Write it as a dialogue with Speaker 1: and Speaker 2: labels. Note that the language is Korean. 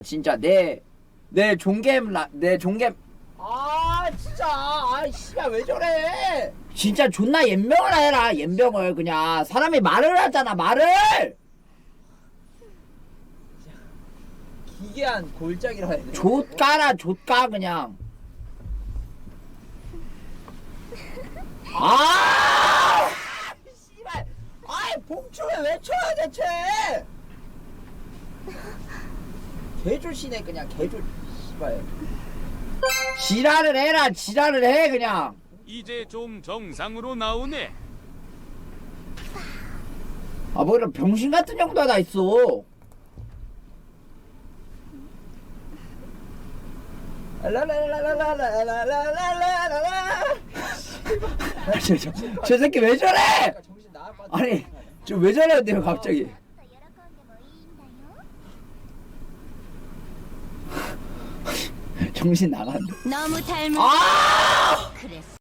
Speaker 1: 진짜 내 종겜
Speaker 2: 진짜 씨발 왜 저래.
Speaker 1: 진짜 존나 연병을 해라. 연병을 그냥 사람이 말을 하잖아 말을.
Speaker 2: 기괴한 골짜기라 해야 돼.
Speaker 1: 좆까라 좆까 그냥.
Speaker 2: 씨발 봉춤에 왜 쳐요 대체. 개조시네 그냥 개조. 씨발
Speaker 1: 지랄을 해라. 지랄을 해 그냥.
Speaker 3: 이제 좀 정상으로 나오네.
Speaker 1: 아 뭐 이런 병신 같은 형도 하나 있어.
Speaker 2: 라라라라라라라라라라라.
Speaker 1: 저 새끼 왜 저래?
Speaker 2: 정신 나갈 것 같아.
Speaker 1: 아니 저 왜 저래요 갑자기. 정신 나간다.
Speaker 4: 너무 닮은
Speaker 1: 아!
Speaker 4: 그랬어.